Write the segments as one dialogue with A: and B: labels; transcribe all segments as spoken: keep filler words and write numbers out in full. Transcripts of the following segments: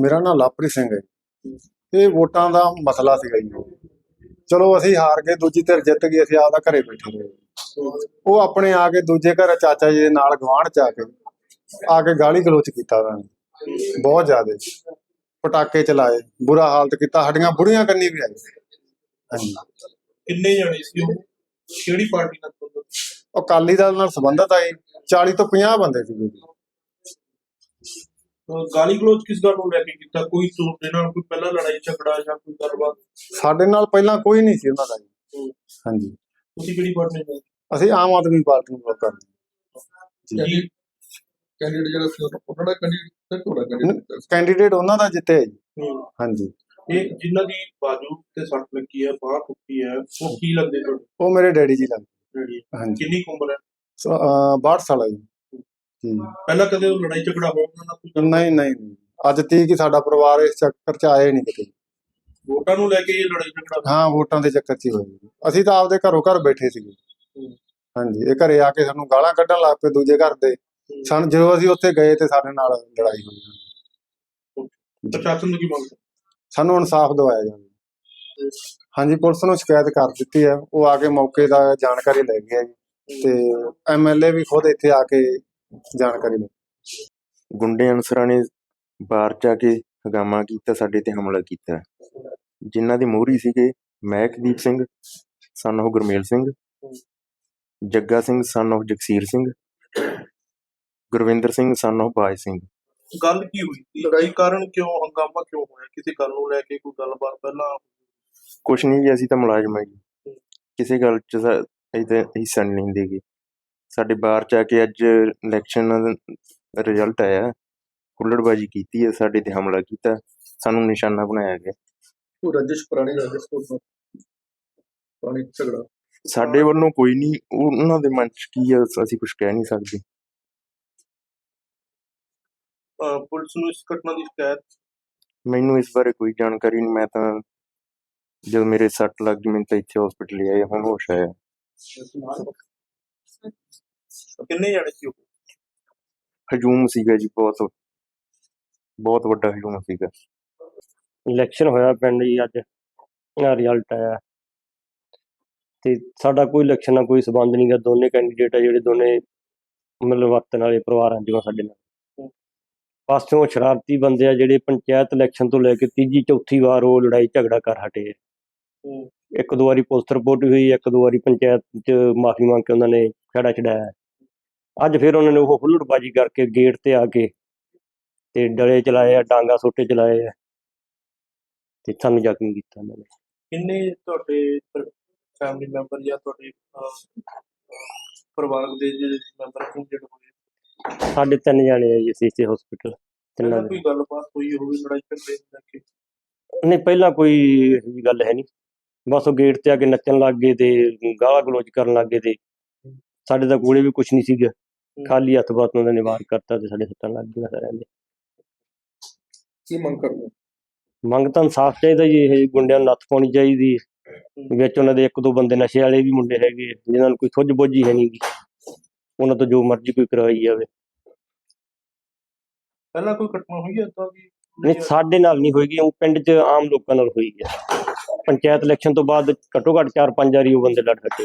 A: ਮੇਰਾ ਨਾਂ ਲਵਪ੍ਰੀਤ ਸਿੰਘ ਹੈ ਜੀ। ਇਹ ਵੋਟਾਂ ਦਾ ਮਸਲਾ ਸੀਗਾ ਜੀ। ਚਲੋ ਅਸੀਂ ਹਾਰ ਗਏ, ਦੂਜੀ ਧਿਰ ਜਿੱਤ ਗਈ, ਅਸੀਂ ਆਪਦਾ ਘਰੇ ਬੈਠੇ ਰਹੇ। ਉਹ ਆਪਣੇ ਆ ਕੇ ਦੂਜੇ ਘਰ ਚਾਚਾ ਜੀ ਦੇ ਨਾਲ ਗੁਆਂਢ ਚ ਆ ਕੇ ਆ ਕੇ ਗਾਲੀ ਗਲੋਚ ਕੀਤਾ ਉਹਨਾਂ ਨੇ ਬਹੁਤ ਜ਼ਿਆਦਾ, ਪਟਾਕੇ ਚਲਾਏ, ਬੁਰਾ ਹਾਲਤ ਕੀਤਾ, ਸਾਡੀਆਂ ਬੁੜੀਆਂ ਕੰਨੀ ਵੀ ਆਏ। ਹਾਂਜੀ।
B: ਕਿੰਨੇ ਜਾਣੇ ਸੀ ਉਹ, ਕਿਹੜੀ ਪਾਰਟੀ ਨਾਲ ਸੰਬੰਧਿਤ?
A: ਉਹ ਅਕਾਲੀ ਦਲ ਨਾਲ ਸੰਬੰਧਤ ਆਏ, ਚਾਲੀ ਤੋਂ ਪੰਜਾਹ ਬੰਦੇ ਸੀਗੇ ਜੀ।
B: ਅਹ ਗਾਲੀ ਗਲੋਚ ਕਿਸ ਗੱਲ ਨੂੰ ਲੈ ਕੇ ਕੀਤਾ? ਕੋਈ ਤੁਹਾਡੇ ਨਾਲ ਕੋਈ ਪਹਿਲਾਂ ਲੜਾਈ ਝਗੜਾ ਜਾਂ ਕੋਈ ਗੱਲਬਾਤ?
A: ਸਾਡੇ ਨਾਲ ਪਹਿਲਾਂ ਕੋਈ ਨਹੀਂ ਸੀ ਉਹਨਾਂ ਦਾ ਜੀ। ਹਾਂਜੀ।
B: ਤੁਸੀਂ ਕਿਹੜੀ ਪਾਰਟੀ ਨਾਲ?
A: ਅਸੀਂ ਆਮ ਆਦਮੀ ਪਾਰਟੀ ਨੂੰ ਵੋਟ ਕਰਦੇ
B: ਜੀ। ਕੈਂਡੀਡੇਟ ਜਿਹੜਾ ਸੀ ਉਹਨਾਂ ਦਾ ਕੈਂਡੀਡੇਟ ਤੁਹਾਡਾ ਕੈਂਡੀਡੇਟ
A: ਕੈਂਡੀਡੇਟ ਉਹਨਾਂ ਦਾ ਜਿੱਤੇ ਜੀ।
B: ਹੂੰ।
A: ਹਾਂਜੀ।
B: ਇਹ ਜਿਨ੍ਹਾਂ ਦੀ ਬਾਜੂ ਤੇ ਸੱਟ ਲੱਗੀ ਹੈ, ਬਾਂਹ ਟੁੱਟੀ ਹੈ, ਉਹ ਕੀ ਲੱਗਦੇ ਤੁਹਾਨੂੰ?
A: ਉਹ ਮੇਰੇ ਡੈਡੀ ਜੀ ਲੱਗਦੇ।
B: ਜਿਹੜੀ
A: ਹਾਂਜੀ।
B: ਕਿੰਨੀ ਕੁ ਉਮਰ ਹੈ?
A: ਸੋ, ਅਹ, ਬਾਹਠ ਸਾਲ ਹੈ ਜੀ। ਜੀ।
B: ਪਹਿਲਾਂ ਕਦੇ ਉਹ ਲੜਾਈ ਝਗੜਾ ਹੋਣ ਨਾਲ ਕੋਈ ਗੱਲ?
A: ਨਹੀਂ ਨਹੀਂ ਨਹੀਂ। ਅੱਜ ਤੀਕ ਹੀ ਸਾਡਾ ਪਰਿਵਾਰ ਇਸ ਚੱਕਰ ਚ ਆਇਆ ਹੀ ਨਹੀਂ ਕਿਤੇ।
B: ਵੋਟਾਂ ਨੂੰ ਲੈ ਕੇ ਇਹ ਲੜਾਈ ਝਗੜਾ?
A: ਹਾਂ, ਵੋਟਾਂ ਦੇ ਚੱਕਰ ਚ ਹੀ ਹੋਈ। ਅਸੀਂ ਤਾਂ ਆਪਦੇ ਘਰੋਂ ਘਰ ਬੈਠੇ ਸੀਗੇ।
B: ਹੂੰ।
A: ਹਾਂਜੀ। ਇਹ ਘਰੇ ਆ ਕੇ ਸਾਨੂੰ ਗਾਲਾਂ ਕੱਢਣ ਲੱਗ ਪਏ ਦੂਜੇ ਘਰ ਦੇ। ਸਾਨੂੰ ਜਦੋਂ ਅਸੀਂ ਉੱਥੇ ਗਏ ਤੇ ਸਾਡੇ ਨਾਲ ਲੜਾਈ ਹੋਈ।
B: ਪ੍ਰਸ਼ਾਸਨ ਨੂੰ ਕੀ ਮੰਗ?
A: ਸਾਨੂੰ ਇਨਸਾਫ ਦਿਵਾਇਆ ਜਾਵੇ। ਹਾਂਜੀ, ਪੁਲਿਸ ਨੂੰ ਸ਼ਿਕਾਇਤ ਕਰ ਦਿੱਤੀ ਹੈ। ਉਹ ਆ ਕੇ ਮੌਕੇ ਦਾ ਜਾਣਕਾਰੀ ਲੈ ਗਿਆ ਜੀ, ਤੇ ਐਮਐਲਏ ਵੀ ਖੁਦ ਇੱਥੇ ਆ ਕੇ ਜਾਣਕਾਰੀ ਲੈ।
C: ਗੁੰਡੇ ਅਨਸਰਾਂ ਨੇ ਬਾਰ ਚ ਆ ਕੇ ਹੰਗਾਮਾ ਕੀਤਾ, ਸਾਡੇ ਤੇ ਹਮਲਾ ਕੀਤਾ, ਜਿਨ੍ਹਾਂ ਦੇ ਮੋਹਰੀ ਸੀਗੇ ਮਹਿਕਦੀਪ ਸਿੰਘ ਸਨ ਉਹ ਗੁਰਮੇਲ ਸਿੰਘ, ਜੱਗਾ ਸਿੰਘ ਸਨ ਉਹ ਜਗਸੀਰ ਸਿੰਘ, ਗੁਰਵਿੰਦਰ ਸਿੰਘ ਸਨ ਉਹ ਬਾਜ ਸਿੰਘ।
B: ਗੱਲ ਕੀ ਹੋਈ? ਲੜਾਈ ਕਾਰਨ ਕਿਉਂ ਹੰਗਾਮਾ ਕਿਉਂ ਹੋਇਆ? ਕਿਸੇ ਗੱਲ ਨੂੰ ਲੈ ਕੇ ਕੋਈ ਗੱਲਬਾਤ ਪਹਿਲਾਂ?
C: ਕੁਛ ਨਹੀਂ ਜੀ, ਅਸੀਂ ਤਾਂ ਮੁਲਾਜ਼ਮ ਹਾਂ ਜੀ, ਕਿਸੇ ਗੱਲ ਚ ਸਾ- ਅਸੀਂ ਤਾਂ ਹਿੱਸਾ ਨਹੀਂ ਲੈਂਦੇ ਗੇ। ਸਾਡੇ ਬਾਰ ਚ ਆ ਕੇ ਅੱਜ ਇਲੈਕਸ਼ਨ ਰਿਜ਼ਲਟ ਆਇਆ, ਹੁੱਲੜਬਾਜੀ ਕੀਤੀ ਹੈ, ਸਾਡੇ ਤੇ ਹਮਲਾ ਕੀਤਾ, ਸਾਨੂੰ ਨਿਸ਼ਾਨਾ ਬਣਾਇਆ ਗਿਆ।
B: ਕੋਈ ਰੰਜਿਸ਼ ਪੁਰਾਣੀ ਰੰਜਿਸ਼ ਤੋਂ ਪੁਰਾਣੀ ਝਗੜਾ?
C: ਸਾਡੇ ਵੱਲੋਂ ਕੋਈ ਨਹੀਂ, ਉਹਨਾਂ ਦੇ ਮਨ ਚ ਕੀ ਹੈ ਅਸੀਂ ਕੁਝ ਕਹਿ ਨਹੀਂ ਸਕਦੇ।
B: ਅਹ ਪੁਲਿਸ ਨੂੰ ਇਸ ਘਟਨਾ ਦੀ ਸ਼ਿਕਾਇਤ?
C: ਮੈਨੂੰ ਇਸ ਬਾਰੇ ਕੋਈ ਜਾਣਕਾਰੀ ਨਹੀਂ। ਮੈਂ ਤਾਂ ਜਦੋਂ ਮੇਰੇ ਸੱਟ ਲੱਗ ਗਈ ਮੈਨੂੰ ਤਾਂ ਇੱਥੇ ਹਸਪੀਟਲ ਲਿਆਏ, ਹੁਣ ਹੋਸ਼ ਆਇਆ।
B: ਕਿੰਨੇ ਜਾਣੇ ਸੀ ਉਹ?
C: ਹਜੂਮ ਸੀਗਾ ਜੀ, ਬਹੁਤ ਬਹੁਤ ਵੱਡਾ ਹਜੂਮ ਸੀਗਾ।
D: ਇਲੈਕਸ਼ਨ ਹੋਇਆ ਪਿੰਡ ਜੀ, ਅੱਜ ਰਿਜ਼ਲਟ ਆਇਆ ਤੇ ਸਾਡਾ ਕੋਈ ਇਲੈਕਸ਼ਨ ਨਾਲ ਕੋਈ ਸੰਬੰਧ ਨਹੀਂ ਗਾ। ਦੋਨੇ ਕੈਂਡੀਡੇਟ ਆ ਜਿਹੜੇ ਦੋਨੇ ਮਤਲਬ ਵਰਤਣ ਵਾਲੇ ਪਰਿਵਾਰਾਂ ਚੋਂ ਸਾਡੇ ਨਾਲ। ਪਾਸੋਂ ਸ਼ਰਾਰਤੀ ਬੰਦੇ ਆ ਜਿਹੜੇ ਪੰਚਾਇਤ ਇਲੈਕਸ਼ਨ ਤੋਂ ਲੈ ਕੇ ਤੀਜੀ ਚੌਥੀ ਵਾਰ ਉਹ ਲੜਾਈ ਝਗੜਾ ਕਰ ਹਟੇ ਆ। ਇੱਕ ਦੋ ਵਾਰੀ ਪੁਲਿਸ ਰਿਪੋਰਟ ਹੋਈ, ਇੱਕ ਦੋ ਵਾਰੀ ਪੰਚਾਇਤ ਚ ਮਾਫੀ ਮੰਗ ਕੇ ਉਹਨਾਂ ਨੇ ਖਹਿੜਾ ਛਡਾਇਆ। ਅੱਜ ਫਿਰ ਉਹਨਾਂ ਨੇ ਉਹ ਹੁੱਲੜਬਾਜੀ ਕਰਕੇ ਗੇਟ ਤੇ ਆ ਕੇ ਤੇ ਡਲੇ ਚਲਾਏ ਆ, ਡਾਂਗਾ ਸੋਟੇ ਚਲਾਏ ਆ ਤੇ ਸਾਨੂੰ ਜ਼ਖਮੀ ਕੀਤਾ ਉਹਨਾਂ ਨੇ।
B: ਕਿੰਨੇ ਤੁਹਾਡੇ ਫੈਮਿਲੀ ਮੈਂਬਰ ਜਾਂ ਤੁਹਾਡੇ ਪਰਿਵਾਰਕ ਦੇ ਜਿਹੜੇ ਮੈਂਬਰ ਇੰਜਰਡ ਹੋਏ?
D: ਸਾਡੇ ਤਿੰਨ ਜਾਣੇ ਆ ਜੀ, ਅਸੀਂ ਇੱਥੇ ਹਸਪੀਟਲ ਤਿੰਨਾਂ
B: ਪਹਿਲਾਂ
D: ਦੇ।
B: ਕੋਈ ਗੱਲਬਾਤ ਹੋਈ ਹੋਵੇ ਲੜਾਈ ਝਗੜੇ ਨੂੰ ਲੈ ਕੇ?
D: ਨਹੀਂ, ਪਹਿਲਾਂ ਕੋਈ ਇਹੋ ਜਿਹੀ ਗੱਲ ਹੈ ਨਹੀਂ। ਬਸ ਉਹ ਗੇਟ ਤੇ ਆ ਕੇ ਨੱਚਣ ਲੱਗ ਗਏ ਤੇ ਗਾਲਾਂ ਗਲੋਚ ਕਰਨ ਲੱਗ ਗਏ ਤੇ ਸਾਡੇ ਤਾਂ ਕੋਲੇ ਵੀ ਕੁਛ ਨਹੀਂ ਸੀਗਾ, ਖਾਲੀ ਹੱਥ ਬਾਤ ਉਹਨਾਂ ਨੇ ਵਾਰ ਕਰਤਾ ਤੇ ਸਾਡੇ ਸੱਟਾਂ ਲੱਗ ਗਈਆਂ ਸਾਰਿਆਂ ਦੇ।
B: ਕੀ ਮੰਗ ਕਰਦੇ?
D: ਮੰਗ ਤਾਂ ਇਨਸਾਫ ਚਾਹੀਦਾ ਜੀ, ਇਹ ਗੁੰਡਿਆਂ ਨੂੰ ਨੱਥ ਪਾਉਣੀ ਚਾਹੀਦੀ। ਵਿੱਚ ਉਹਨਾਂ ਦੇ ਇੱਕ ਦੋ ਬੰਦੇ ਨਸ਼ੇ ਵਾਲੇ ਵੀ ਮੁੰਡੇ ਹੈਗੇ ਜਿਨ੍ਹਾਂ ਨੂੰ ਕੋਈ ਸੁੱਝ ਬੁੱਝ ਹੀ ਹੈ ਨਹੀਂ ਗੀ, ਉਹਨਾਂ ਤੋਂ ਜੋ ਮਰਜ਼ੀ ਕੋਈ ਕਰਵਾਈ ਜਾਵੇ।
B: ਪਹਿਲਾਂ ਕੋਈ ਘਟਨਾ ਹੋਈ ਹੈ ਏਦਾਂ ਦੀ?
D: ਨਹੀਂ, ਸਾਡੇ ਨਾਲ ਨਹੀਂ ਹੋਏਗੀ, ਉਹ ਪਿੰਡ 'ਚ ਆਮ ਲੋਕਾਂ ਨਾਲ ਹੋਈ ਹੈ। ਪੰਚਾਇਤ ਇਲੈਕਸ਼ਨ ਤੋਂ ਬਾਅਦ ਘੱਟੋ ਘੱਟ ਚਾਰ ਪੰਜ ਵਾਰੀ ਉਹ ਬੰਦੇ ਲੜ ਹਟੇ।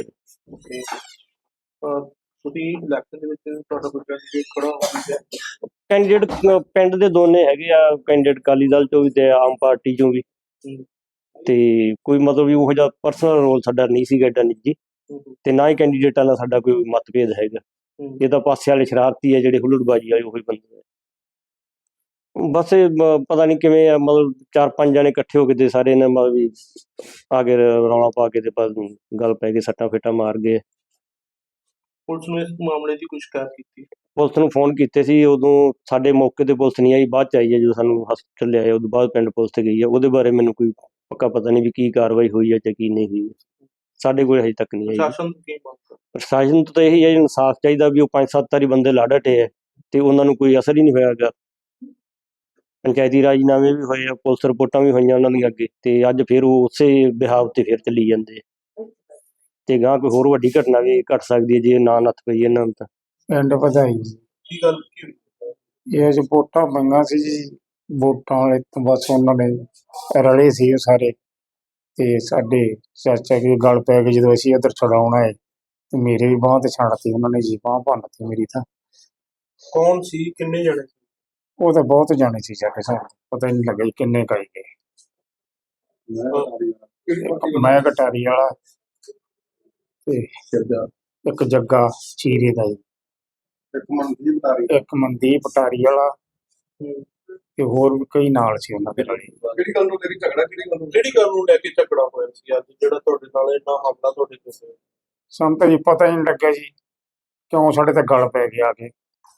B: ਤੁਸੀਂ ਇਲੈਕਸ਼ਨ ਦੇ ਵਿੱਚ ਤੁਹਾਡਾ ਕੋਈ ਕੈਂਡੀਡੇਟ ਖੜਾ ਹੋ ਗਿਆ?
D: ਕੈਂਡੀਡੇਟ ਪਿੰਡ ਦੇ ਦੋਨੇ ਹੈਗੇ ਆ, ਕੈਂਡੀਡੇਟ ਅਕਾਲੀ ਦਲ ਚੋਂ ਵੀ ਤੇ ਆਮ ਪਾਰਟੀ ਚੋਂ ਵੀ। ਤੇ ਕੋਈ ਮਤਲਬ ਵੀ ਉਹੋ ਜਿਹਾ ਪਰਸਨਲ ਰੋਲ ਸਾਡਾ ਨਹੀਂ ਸੀਗਾ ਏਡਾ ਨਿੱਜੀ, ਤੇ ਨਾ ਹੀ ਕੈਂਡੀਡੇਟਾਂ ਨਾਲ ਸਾਡਾ ਕੋਈ ਮਤਭੇਦ ਹੈਗਾ। ਇਹ ਤਾਂ ਪਾਸੇ ਵਾਲੇ ਸ਼ਰਾਰਤੀ ਆ ਜਿਹੜੇ ਹੁੱਲੜਬਾਜੀ ਵਾਲੇ, ਉਹੀ ਬੰਦੇ ਆ। ਬਸ ਇਹ ਮ- ਪਤਾ ਨਹੀਂ ਕਿਵੇਂ ਆ, ਮਤਲਬ ਚਾਰ ਪੰਜ ਜਣੇ ਇਕੱਠੇ ਹੋ ਕੇ ਤੇ ਸਾਰੇ ਨੇ ਮਤਲਬ ਵੀ ਆ ਕੇ ਰੌਲਾ ਪਾ ਕੇ ਤੇ ਬਸ ਗੱਲ ਪੈ ਗਈ, ਸੱਟਾਂ ਫੇਟਾਂ ਮਾਰ ਗਏ।
B: ਪੁਲਿਸ ਨੂੰ ਇਸ ਮਾਮਲੇ ਦੀ ਕੋਈ ਸ਼ਿਕਾਇਤ ਕੀਤੀ?
D: ਪੁਲਿਸ ਨੂੰ ਫੋਨ ਕੀਤੇ ਸੀ, ਉਦੋਂ ਸਾਡੇ ਮੌਕੇ ਤੇ ਪੁਲਿਸ ਨਹੀਂ ਆਈ, ਬਾਅਦ ਚ ਆਈ ਹੈ ਜਦੋਂ ਸਾਨੂੰ ਹਸਪਤਾਲ ਲਿਆਏ। ਉਦੋਂ ਬਾਅਦ ਪਿੰਡ ਪੁਲਿਸ ਤੇ ਗਈ ਹੈ। ਉਹਦੇ ਬਾਰੇ ਮੈਨੂੰ ਕੋਈ ਪੱਕਾ ਪਤਾ ਨਹੀਂ ਵੀ ਕੀ ਕਾਰਵਾਈ ਹੋਈ ਹੈ ਜਾਂ ਕੀ ਨਹੀਂ ਹੋਈ, ਸਾਡੇ ਕੋਲ ਹਜੇ ਤੱਕ ਨਹੀਂ ਆਈ।
B: ਪ੍ਰਸ਼ਾਸਨ ਤੋਂ ਕੀ ਮੰਗ?
D: ਪ੍ਰਸ਼ਾਸਨ ਤੋਂ ਤਾਂ ਇਹੀ ਹੈ, ਇਨਸਾਫ ਚਾਹੀਦਾ ਵੀ ਉਹ ਪੰਜ ਸੱਤ ਵਾਰੀ ਬੰਦੇ ਲੜ ਹਟੇ ਹੈ ਤੇ ਉਹਨਾਂ ਨੂੰ ਕੋਈ ਅਸਰ ਹੀ ਨਹੀਂ ਹੋਇਆ ਗਾ। ਪੰਚਾਇਤੀ ਰਾਜਨਾਮੇ ਵੀ ਹੋਏ ਆ, ਪੁਲਿਸ ਰਿਪੋਰਟਾਂ ਵੀ ਹੋਈਆਂ ਉਹਨਾਂ ਦੀਆਂ ਅੱਗੇ, ਤੇ ਅੱਜ ਫਿਰ ਉਹ ਉਸੇ ਬਿਹਾਵ ਤੇ ਫਿਰ ਚੱਲੀ ਜਾਂਦੇ ਤੇ ਗਾਂ ਕੋਈ ਹੋਰ ਵੱਡੀ ਘਟਨਾ ਵੀ ਘਟ ਸਕਦੀ ਹੈ ਜੇ ਨਾ ਨੱਥ ਪਈ ਇਹਨਾਂ ਨੂੰ ਤਾਂ।
E: ਪਿੰਡ ਵਧਾਈ
B: ਕੀ ਗੱਲ ਕੀ ਹੋਈ?
E: ਇਹ ਅੱਜ ਵੋਟਾਂ ਮੰਗਾਂ ਸੀ ਜੀ, ਵੋਟਾਂ ਵਾਲੇ ਤੋਂ ਬਸ ਉਹਨਾਂ ਨੇ ਰਲੇ ਸੀ ਉਹ ਸਾਰੇ, ਤੇ ਸਾਡੇ ਚਾਚਾ ਜੀ ਗੱਲ ਪੈ ਗਈ ਜਦੋਂ ਅਸੀਂ ਇੱਧਰ ਛਡਾਉਣ ਆਏ, ਤੇ ਮੇਰੇ ਵੀ ਬਾਂਹ ਤੇ ਛੱਡਤੀ ਉਹਨਾਂ ਨੇ ਜੀ, ਬਾਂਹ ਭੰਨਤੀ ਮੇਰੀ ਤਾਂ।
B: ਕੌਣ ਸੀ, ਕਿੰਨੇ ਜਣੇ ਸੀ?
E: ਉਹ ਤਾਂ ਬਹੁਤ ਜਾਣੇ ਸੀ ਸਾਡੇ ਸਾਹਮਣੇ, ਪਤਾ ਹੀ ਨਹੀਂ ਲੱਗਾ ਜੀ ਕਿੰਨੇ ਕਾਈ ਗਏ। ਮੈਂ ਘਟਾਰੀ ਵਾਲਾ ਤੇ ਇੱਕ ਜੱਗਾ ਚੀਰੇ ਦਾ ਜੀ, ਇੱਕ ਮਨਦੀਪ ਪਟਾਰੀ ਵਾਲਾ ਤੇ ਹੋਰ ਵੀ ਕਈ ਨਾਲ ਸੀ ਉਹਨਾਂ ਦੇ ਨਾਲ।
B: ਕਿਹੜੀ ਗੱਲ ਨੂੰ ਤੇਰੀ ਝਗੜਾ ਕਿਹੜੀ ਗੱਲ ਨੂੰ ਕਿਹੜੀ ਗੱਲ ਨੂੰ ਲੈ ਕੇ ਝਗੜਾ ਹੋਇਆ ਸੀ ਅੱਜ ਜਿਹੜਾ ਤੁਹਾਡੇ ਨਾਲ ਇੰਨਾ ਹਮਲਾ ਤੁਹਾਡੇ ਤੇ ਹੋਇਆ?
E: ਸਾਨੂੰ ਤਾਂ ਜੀ ਪਤਾ ਹੀ ਨਹੀਂ ਲੱਗਿਆ ਜੀ ਕਿਉਂ ਸਾਡੇ ਤੇ ਗਲ ਪੈ ਗਿਆ ਆ ਕੇ।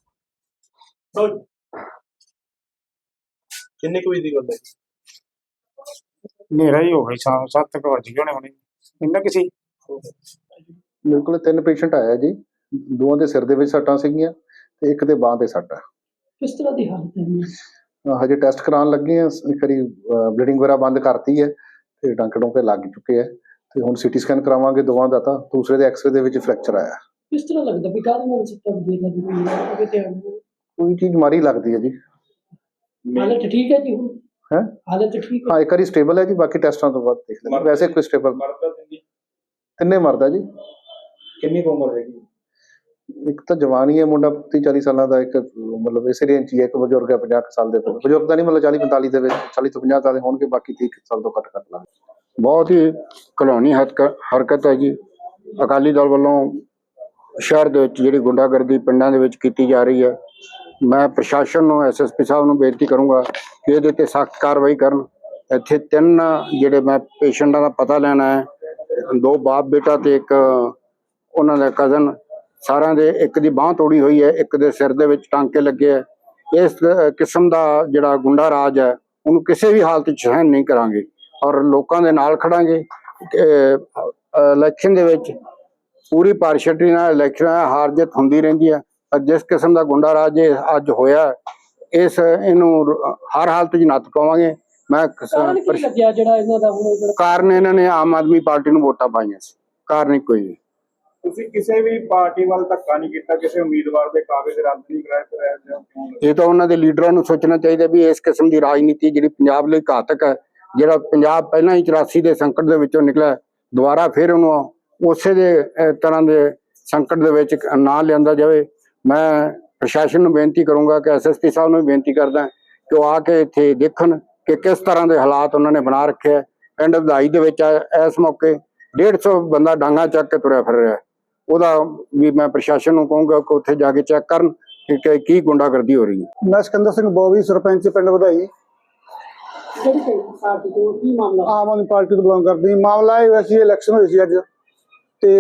B: ਕਿੰਨੇ ਕੁ ਵਜੇ ਦੀ ਗੱਲ ਹੈ?
E: ਹਨੇਰਾ ਹੀ ਹੋ ਗਈ, ਸ਼ਾਮ ਸੱਤ ਕੁ ਵੱਜ ਗਏ ਹੋਣੇ ਹੁਣੇ, ਇੰਨਾ ਕਿ ਸੀ।
F: ਮੇਰੇ ਕੋਲ ਤਿੰਨ ਪੇਸ਼ੈਂਟ ਆਇਆ ਜੀ, ਦੋਵਾਂ ਦੇ ਸਿਰ ਦੇ ਵਿੱਚ ਸੱਟਾਂ ਸੀਗੀਆਂ ਤੇ ਇੱਕ ਦੇ ਬਾਂਹ ਤੇ ਸੱਟ ਆ।
G: ਕਿਸ ਤਰ੍ਹਾਂ ਦੀ ਹਾਲਤ ਹੈ?
F: ਹਜੇ ਟੈਸਟ ਕਰਾਉਣ ਲੱਗੇ ਆ, ਇੱਕ ਵਾਰੀ ਬਲੀਡਿੰਗ ਵਗੈਰਾ ਬੰਦ ਕਰਤੀ ਹੈ ਤੇ ਟਾਂਕੇ ਟੋਂਕੇ ਲੱਗ ਚੁੱਕੇ ਆ, ਤੇ ਹੁਣ ਸੀਟੀ ਸਕੈਨ ਕਰਾਵਾਂਗੇ ਦੋਵਾਂ ਦਾ। ਤਾਂ ਦੂਸਰੇ ਦੇ ਐਕਸਰੇ ਦੇ ਵਿੱਚ ਫ੍ਰੈਕਚਰ ਆਇਆ।
G: ਕਿਸ ਤਰ੍ਹਾਂ ਲੱਗਦਾ ਵੀ ਕਾਹਦੇ ਨਾਲ ਸੱਟਾਂ ਵੱਜੀਆਂ ਲੱਗਦੀਆਂ?
F: ਕੋਈ ਚੀਜ਼ ਮਾਰੀ ਲੱਗਦੀ ਹੈ ਜੀ।
G: ਹਾਲਤ ਠੀਕ ਹੈ ਜੀ ਹੁਣ?
F: ਹੈਂ?
G: ਹਾਲਤ ਠੀਕ ਹੈ?
F: ਹਾਂ, ਇੱਕ ਵਾਰੀ ਸਟੇਬਲ ਹੈ ਜੀ, ਬਾਕੀ ਟੈਸਟਾਂ ਤੋਂ ਬਾਅਦ ਦੇਖ ਲੈਂਦੇ। ਵੈਸੇ ਕੋਈ ਸਟੇਬਲ ਤਿੰਨੇ ਮਰਦਾ ਜੀ।
B: ਕਿੰਨੀ ਕੁ ਉਮਰ ਹੈਗੀ?
F: ਇੱਕ ਤਾਂ ਜਵਾਨ ਹੀ ਹੈ ਮੁੰਡਾ, ਤੀਹ ਚਾਲੀ ਸਾਲਾਂ ਦਾ, ਇੱਕ ਮਤਲਬ ਇਸੇ ਰੇਂਜ 'ਚ ਹੀ ਹੈ, ਇੱਕ ਬਜ਼ੁਰਗ ਹੈ ਪੰਜਾਹ ਕੁ ਸਾਲ ਦੇ। ਬਜ਼ੁਰਗ ਤਾਂ ਨਹੀਂ, ਮਤਲਬ ਚਾਲੀ ਪੰਤਾਲੀ ਦੇ ਵਿੱਚ, ਚਾਲੀ ਤੋਂ ਪੰਜਾਹ ਸਾਲ ਦੇ ਹੋਣਗੇ, ਬਾਕੀ ਤੀਹ ਸਾਲ ਤੋਂ ਘੱਟ ਘੱਟ ਲਾ।
H: ਬਹੁਤ ਹੀ ਘਿਨੌਣੀ ਹਰਕਤ ਹੈ ਜੀ ਅਕਾਲੀ ਦਲ ਵੱਲੋਂ ਸ਼ਹਿਰ ਦੇ ਵਿੱਚ ਜਿਹੜੀ ਗੁੰਡਾਗਰਦੀ ਪਿੰਡਾਂ ਦੇ ਵਿੱਚ ਕੀਤੀ ਜਾ ਰਹੀ ਹੈ। ਮੈਂ ਪ੍ਰਸ਼ਾਸਨ ਨੂੰ, ਐਸ ਐਸ ਪੀ ਸਾਹਿਬ ਨੂੰ ਬੇਨਤੀ ਕਰੂੰਗਾ ਕਿ ਇਹਦੇ ਤੇ ਸਖਤ ਕਾਰਵਾਈ ਕਰਨ। ਇੱਥੇ ਤਿੰਨ ਜਿਹੜੇ ਮੈਂ ਪੇਸ਼ੈਂਟਾਂ ਦਾ ਪਤਾ ਲੈਣਾ ਹੈ, ਦੋ ਬਾਪ ਬੇਟਾ ਤੇ ਇੱਕ ਉਹਨਾਂ ਦਾ ਕਜ਼ਨ, ਸਾਰਿਆਂ ਦੇ ਇੱਕ ਦੀ ਬਾਂਹ ਤੋੜੀ ਹੋਈ ਹੈ, ਇੱਕ ਦੇ ਸਿਰ ਦੇ ਵਿੱਚ ਟਾਂਕੇ ਲੱਗੇ ਹੈ। ਇਸ ਕਿਸਮ ਦਾ ਜਿਹੜਾ ਗੁੰਡਾ ਰਾਜ ਹੈ ਉਹਨੂੰ ਕਿਸੇ ਵੀ ਹਾਲਤ 'ਚ ਸਹਿਣ ਨਹੀਂ ਕਰਾਂਗੇ ਔਰ ਲੋਕਾਂ ਦੇ ਨਾਲ ਖੜਾਂਗੇ। ਇਲੈਕਸ਼ਨ ਦੇ ਵਿੱਚ ਪੂਰੀ ਪਾਰਸ਼ੈਲਿਟੀ ਨਾਲ ਇਲੈਕਸ਼ਨ ਹਾਰ ਜਿੱਤ ਹੁੰਦੀ ਰਹਿੰਦੀ ਹੈ, ਪਰ ਜਿਸ ਕਿਸਮ ਦਾ ਗੁੰਡਾ ਰਾਜ ਇਹ ਅੱਜ ਹੋਇਆ, ਇਸ ਇਹਨੂੰ ਹਰ ਹਾਲਤ 'ਚ ਨੱਥ ਪਾਵਾਂਗੇ। ਮੈਂ
G: ਕਾਰਨ ਕੀ ਲੱਗਿਆ ਜਿਹੜਾ ਇਹਨਾਂ ਦਾ ਹੁਣ ਜਿਹੜਾ
H: ਕਾਰਨ ਇਹਨਾਂ ਨੇ ਆਮ ਆਦਮੀ ਪਾਰਟੀ ਨੂੰ ਵੋਟਾਂ ਪਾਈਆਂ ਸੀ, ਕਾਰਨ ਹੀ ਕੋਈ ਨਹੀਂ।
E: ਤੁਸੀਂ ਕਿਸੇ ਵੀ ਪਾਰਟੀ ਵੱਲ ਧੱਕਾ ਨਹੀਂ ਕੀਤਾ, ਕਿਸੇ ਉਮੀਦਵਾਰ ਦੇ ਕਾਗਜ਼ ਰੱਦ ਨਹੀਂ ਕਰਾਏ, ਫਿਰ
H: ਇਹ ਤਾਂ ਉਹਨਾਂ ਦੇ ਲੀਡਰਾਂ ਨੂੰ ਸੋਚਣਾ ਚਾਹੀਦਾ ਵੀ ਇਸ ਕਿਸਮ ਦੀ ਰਾਜਨੀਤੀ ਜਿਹੜੀ ਪੰਜਾਬ ਲਈ ਘਾਤਕ ਹੈ, ਜਿਹੜਾ ਪੰਜਾਬ ਪਹਿਲਾਂ ਹੀ ਚੁਰਾਸੀ ਦੇ ਸੰਕਟ ਦੇ ਵਿੱਚੋਂ ਨਿਕਲਿਆ, ਦੁਬਾਰਾ ਫਿਰ ਉਹਨੂੰ ਉਸੇ ਦੇ ਤਰ੍ਹਾਂ ਦੇ ਸੰਕਟ ਦੇ ਵਿੱਚ ਨਾ ਲਿਆਂਦਾ ਜਾਵੇ। ਮੈਂ ਪ੍ਰਸ਼ਾਸਨ ਨੂੰ ਬੇਨਤੀ ਕਰੂੰਗਾ ਕਿ ਐਸ ਐਸ ਪੀ ਸਾਹਿਬ ਨੂੰ ਵੀ ਬੇਨਤੀ ਕਰਦਾ ਕਿ ਉਹ ਆ ਕੇ ਇੱਥੇ ਦੇਖਣ ਕਿ ਕਿਸ ਤਰ੍ਹਾਂ ਦੇ ਹਾਲਾਤ ਉਹਨਾਂ ਨੇ ਬਣਾ ਰੱਖੇ ਹੈ। ਪਿੰਡ ਵਧਾਈ ਦੇ ਵਿੱਚ ਇਸ ਮੌਕੇ ਡੇਢ ਸੌ ਬੰਦਾ ਡਾਂਗਾ ਚੱਕ ਕੇ ਤੁਰਿਆ ਫਿਰ ਰਿਹਾ, ਉਹਦਾ ਵੀ ਮੈਂ ਪ੍ਰਸ਼ਾਸਨ ਨੂੰ ਕਹੂੰਗਾ ਕਿ ਉੱਥੇ ਜਾ ਕੇ ਚੈੱਕ ਕਰਨ ਕਿ ਕੀ ਗੁੰਡਾਗਰਦੀ ਹੋ ਰਹੀ ਹੈ।
E: ਮੈਂ ਸਿਕੰਦਰ ਸਿੰਘ ਬੋਵੀ, ਸਰਪੰਚ ਪਿੰਡ ਵਧਾਈ,
G: ਕਿਹੜੀ ਪਾਰਟੀ ਤੋਂ? ਕੀ ਮਾਮਲਾ?
E: ਆਮ ਆਦਮੀ ਪਾਰਟੀ ਤੋਂ ਬਿਲੋਂਗ ਕਰਦੀ। ਮਾਮਲਾ ਇਹ ਵੈਸੇ ਇਲੈਕਸ਼ਨ ਹੋਈ ਸੀ ਅੱਜ, ਤੇ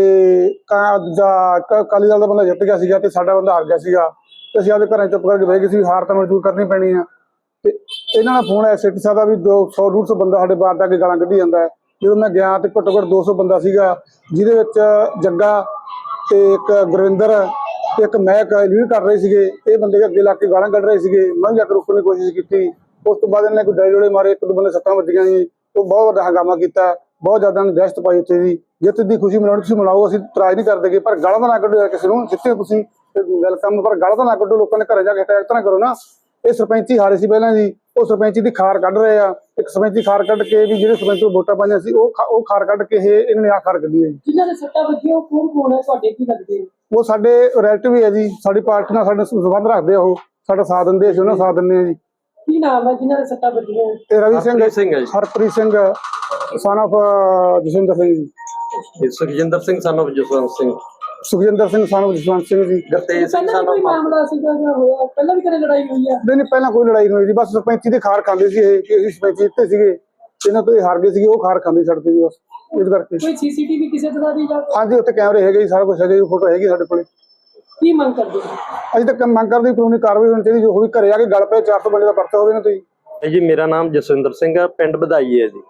E: ਅਕਾਲੀ ਦਲ ਦਾ ਬੰਦਾ ਜਿੱਤ ਗਿਆ ਸੀਗਾ ਤੇ ਸਾਡਾ ਬੰਦਾ ਹਾਰ ਗਿਆ ਸੀਗਾ, ਤੇ ਅਸੀਂ ਆਪਦੇ ਘਰਾਂ ਚੁੱਪ ਕਰਕੇ ਬਹਿ ਗਏ ਸੀ, ਹਾਰ ਤਾਂ ਮਜ਼ਦੂਰ ਕਰਨੀ ਪੈਣੀ ਆ। ਤੇ ਇਹਨਾਂ ਦਾ ਫੋਨ ਆਇਆ ਸਿੱਟੀ ਸਾਹਿਬ ਦਾ ਵੀ ਦੋ ਸੌ ਡੂਢ ਸੌ ਬੰਦਾ ਸਾਡੇ ਬਾਹਰ ਜਾ ਕੇ ਗਾਲਾਂ ਕੱਢੀ ਜਾਂਦਾ ਹੈ। ਜਦੋਂ ਮੈਂ ਗਿਆ ਤੇ ਘੱਟੋ ਘੱਟ ਦੋ ਸੌ ਬੰਦਾ ਸੀਗਾ, ਜਿਹਦੇ ਵਿੱਚ ਜੱਗਾ ਤੇ ਇੱਕ ਗੁਰਵਿੰਦਰ ਤੇ ਇੱਕ ਮਹਿਕ ਲੀਡ ਕਰ ਰਹੇ ਸੀਗੇ। ਇਹ ਬੰਦੇ ਅੱਗੇ ਲਾ ਕੇ ਗਾਲਾਂ ਕੱਢ ਰਹੇ ਸੀਗੇ, ਮੈਂ ਵੀ ਜਾ ਕੇ ਰੋਕਣ ਦੀ ਕੋਸ਼ਿਸ਼ ਕੀਤੀ। ਉਸ ਤੋਂ ਬਾਅਦ ਇਹਨਾਂ ਨੇ ਕੋਈ ਡਾਇਲੋੜੇ ਮਾਰੇ, ਇੱਕ ਦੋ ਬੰਦੇ ਸੱਟਾਂ ਵੱਜੀਆਂ ਜੀ, ਉਹ ਬਹੁਤ ਵੱਡਾ ਹੰਗਾਮਾ ਕੀਤਾ, ਬਹੁਤ ਜ਼ਿਆਦਾ ਨੇ ਦਹਿਸ਼ਤ ਪਾਈ ਉੱਥੇ ਦੀ। ਜਿੱਤ ਦੀ ਖੁਸ਼ੀ ਮਨਾਉਣੀ ਤੁਸੀਂ ਮਨਾਓ, ਅਸੀਂ ਇਤਰਾਜ਼ ਨਹੀਂ ਕਰਦੇ, ਪਰ ਗਾਲਾਂ ਤਾਂ ਨਾ ਕੱਢੋ ਯਾਰ ਕਿਸੇ ਨੂੰ, ਜਿੱਤੇ ਤੁਸੀਂ ਵੈਲਕਮ, ਪਰ ਗਾਲਾਂ ਤਾਂ ਨਾ ਕੱਢੋ, ਲੋਕਾਂ ਦੇ ਘਰੇ ਜਾ ਕੇ ਅਟੈਕ ਤਾਂ ਨਾ ਕਰੋ ਨਾ। ਇਹ ਸਰਪੰਚੀ ਹਾਰੇ ਸੀ ਪਹਿਲਾਂ ਜੀ, ਉਹ ਸਰਪੰਚੀ ਦੀ ਖਾਰ ਕੱਢ ਰਹੇ ਆ। ਇੱਕ ਸਰਪੰਚੀ ਖਾਰ ਕੱਢ ਕੇ ਵੀ ਜਿਹੜੇ ਸਰਪੰਚ ਨੂੰ ਵੋਟਾਂ ਪਾਈਆਂ ਸੀ ਉਹ ਉਹ ਖਾਰ ਕੱਢ ਕੇ ਇਹ ਇਹਨਾਂ ਨੇ ਆ ਖਾਰ ਕੱਢੀ ਹੈ ਜੀ।
G: ਜਿਨ੍ਹਾਂ ਦੇ ਸੱਟਾਂ ਵੱਜੀਆਂ ਉਹ ਕੌਣ ਕੌਣ ਹੈ, ਤੁਹਾਡੇ ਕੀ ਲੱਗਦੇ?
E: ਉਹ ਸਾਡੇ ਰਿਲੇਟਿਵ ਹੀ ਹੈ ਜੀ, ਸਾਡੀ ਪਾਰਟੀ ਨਾਲ ਸਾਡੇ ਸੰਬੰਧ ਰੱਖਦੇ ਆ, ਉਹ ਸਾਡਾ ਸਾਥ ਦਿੰਦੇ, ਅਸੀਂ ਉਹਨਾਂ ਸਾਥ ਦਿੰਦੇ ਹਾਂ ਜੀ।
G: ਕੀ ਨਾਮ ਹੈ ਜਿਨ੍ਹਾਂ ਦੇ ਸੱਟਾਂ ਵੱਜੀਆਂ?
E: ਤੇ ਰਵੀ ਸਿੰਘ, ਹਰਪ੍ਰੀਤ ਸਿੰਘ son of ਜਸਵਿੰਦਰ ਸਿੰਘ ਜੀ,
D: Sukhjinder Singh son of Jaswant Singh,
E: Sukhjinder Singh son of Jaswant Singh ਜੀ।
D: ਗੁਰਤੇਜ ਸਿੰਘ
G: ਪਹਿਲਾਂ
D: son
G: ਕੋਈ
D: of
G: ਮਾਮਲਾ ਸੀਗਾ ਜਾਂ ਹੋਇਆ? ਪਹਿਲਾਂ ਵੀ ਕਦੇ ਲੜਾਈ ਹੋਈ ਹੈ?
E: ਨਹੀਂ ਨਹੀਂ, ਪਹਿਲਾਂ ਕੋਈ ਲੜਾਈ ਨਹੀਂ ਹੋਈ ਜੀ, ਬਸ ਸਰਪੰਚੀ ਦੀ ਖਾਰ ਖਾਂਦੇ ਸੀ ਇਹ, ਕਿ ਅਸੀਂ ਸਰਪੰਚੀ ਜਿੱਤੇ ਸੀਗੇ, ਇਹਨਾਂ ਤੋਂ ਇਹ ਹਾਰ ਗਏ ਸੀਗੇ, ਉਹ ਖਾਰ ਖਾਂਦੇ ਛੱਡ ਤੇ ਜੀ ਬਸ, ਇਸ ਕਰਕੇ।
G: ਕੋਈ ਸੀਸੀਟੀਵੀ ਕਿਸੇ ਤਰ੍ਹਾਂ ਦੀ ਜਾਂ
E: ਹਾਂਜੀ, ਉੱਥੇ ਕੈਮਰੇ ਹੈਗੇ ਜੀ, ਸਾਰਾ ਕੁਝ ਹੈਗਾ ਜੀ, ਫੋਟੋ ਹੈਗੀ ਸਾਡੇ ਕੋਲੇ।
G: ਕੀ ਮੰਗ ਕਰਦੇ ਹੋ?
E: ਅਸੀਂ ਤਾਂ ਮੰਗ ਕਰਦੇ ਕਾਨੂੰਨੀ ਕਾਰਵਾਈ ਹੋਣੀ ਚਾਹੀਦੀ, ਜੋ ਹੋਈ ਘਰੇ ਆ ਕੇ ਗੱਲ ਪਏ, ਚਾਰ ਸੌ ਬੰਦੇ ਦਾ ਪਰਚਾ ਹੋਵੇ ਨਾ ਤੁਸੀਂ।
D: ਜੀ ਮੇਰਾ ਨਾਮ ਜਸਵਿੰਦਰ ਸਿੰਘ ਆ, ਪਿੰਡ ਵਧਾਈ ਹੈ ਜੀ।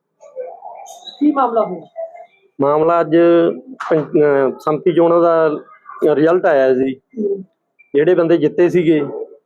G: ਕੀ ਮਾਮਲਾ ਹੋਇਆ?
D: ਮਾਮਲਾ ਅੱਜ ਸੰਮਤੀ ਚੋਣਾਂ ਦਾ ਰਿਜ਼ਲਟ ਆਇਆ ਜੀ, ਜਿਹੜੇ ਬੰਦੇ ਜਿੱਤੇ ਸੀਗੇ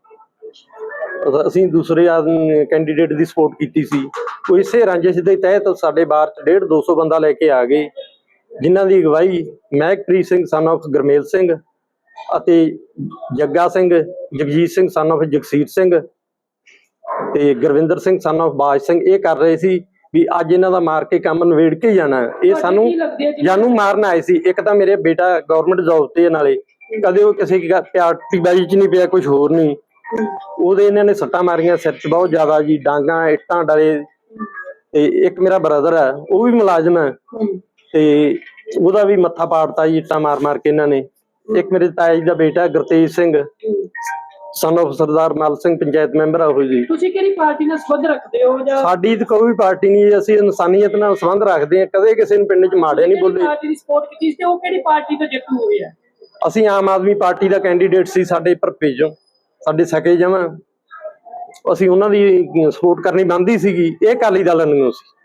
D: ਅਸੀਂ ਦੂਸਰੇ ਕੈਂਡੀਡੇਟ ਦੀ ਸਪੋਰਟ ਕੀਤੀ ਸੀ, ਉਹ ਇਸੇ ਰਾਂਝੇ ਦੇ ਤਹਿਤ ਸਾਡੇ ਬਾਰ ਚ ਡੇਢ ਦੋ ਸੌ ਬੰਦਾ ਲੈ ਕੇ ਆ ਗਏ, ਜਿਨ੍ਹਾਂ ਦੀ ਅਗਵਾਈ ਮਹਿਕਪ੍ਰੀਤ ਸਿੰਘ son of ਗੁਰਮੇਲ ਸਿੰਘ ਅਤੇ ਜੱਗਾ ਸਿੰਘ, ਜਗਜੀਤ ਸਿੰਘ son of ਜਗਸੀਰ ਸਿੰਘ
I: ਤੇ ਗੁਰਵਿੰਦਰ ਸਿੰਘ ਸਨ ਆਫ ਬਾਜ ਸਿੰਘ ਇਹ ਕਰ ਰਹੇ ਸੀ ਵੀ ਅੱਜ ਇਹਨਾਂ ਦਾ ਮਾਰ ਕੇ ਕੰਮ ਨਵੇੜ ਕੇ ਜਾਣਾ। ਇਹ ਸਾਨੂੰ ਜਾਨੂੰ ਮਾਰਨ ਆਏ ਸੀ। ਇੱਕ ਤਾਂ ਮੇਰੇ ਬੇਟਾ ਗਵਰਨਮੈਂਟ ਜੌਬ ਤੇ ਨਾਲੇ ਕਦੇ ਉਹ ਕਿਸੇ ਪਾਰਟੀਬਾਜ਼ੀ ਚ ਨਹੀਂ ਪਿਆ, ਕੁਝ ਹੋਰ ਨਹੀਂ। ਉਹਦੇ ਇਹਨਾਂ ਨੇ ਸੱਟਾਂ ਮਾਰੀਆਂ ਸਿਰ 'ਚ ਬਹੁਤ ਜ਼ਿਆਦਾ ਜੀ, ਡਾਂਗਾਂ ਇੱਟਾਂ ਡਲੇ। ਤੇ ਇੱਕ ਮੇਰਾ ਬ੍ਰਦਰ ਹੈ ਉਹ ਵੀ ਮੁਲਾਜ਼ਮ ਹੈ ਤੇ ਉਹਦਾ ਵੀ ਮੱਥਾ ਪਾੜਤਾ ਜੀ ਇੱਟਾਂ ਮਾਰ ਮਾਰ ਕੇ ਇਹਨਾਂ ਨੇ। ਇੱਕ ਮੇਰੇ ਤਾਇਆ ਜੀ ਦਾ ਬੇਟਾ Gurtej Singh son of Sardar Mal Singh panchayat member ਆ ਉਹ ਜੀ।
G: ਤੁਸੀਂ ਕਿਹੜੀ ਪਾਰਟੀ ਨਾਲ ਸੰਬੰਧ ਰੱਖਦੇ ਹੋ ਜਾਂ
I: ਸਾਡੀ ਤਾਂ ਕੋਈ ਪਾਰਟੀ ਨਹੀਂ, ਅਸੀਂ ਇਨਸਾਨੀਅਤ ਨਾਲ ਸੰਬੰਧ ਰੱਖਦੇ ਹਾਂ। ਕਦੇ ਕਿਸੇ ਨੂੰ ਪਿੰਡ 'ਚ ਮਾੜੇ ਨਹੀਂ ਬੋਲੇ।
G: ਪਾਰਟੀ ਦੀ ਸਪੋਰਟ ਕੀਤੀ ਤੇ ਉਹ ਕਿਹੜੀ ਪਾਰਟੀ ਤੋਂ ਜਿੱਤ ਹੋਈ ਹੈ?
I: ਅਸੀਂ ਆਮ ਆਦਮੀ ਪਾਰਟੀ ਦਾ ਕੈਂਡੀਡੇਟ ਸੀ, ਸਾਡੇ ਭਰਪੇ ਚੋਂ ਸਾਡੇ ਸਕੇ ਜਮਾਂ ਅਸੀਂ ਉਹਨਾਂ ਦੀ ਸਪੋਰਟ ਕਰਨੀ ਬਣਦੀ ਸੀਗੀ। ਇਹ ਅਕਾਲੀ ਦਲ ਨੂੰ ਸੀ।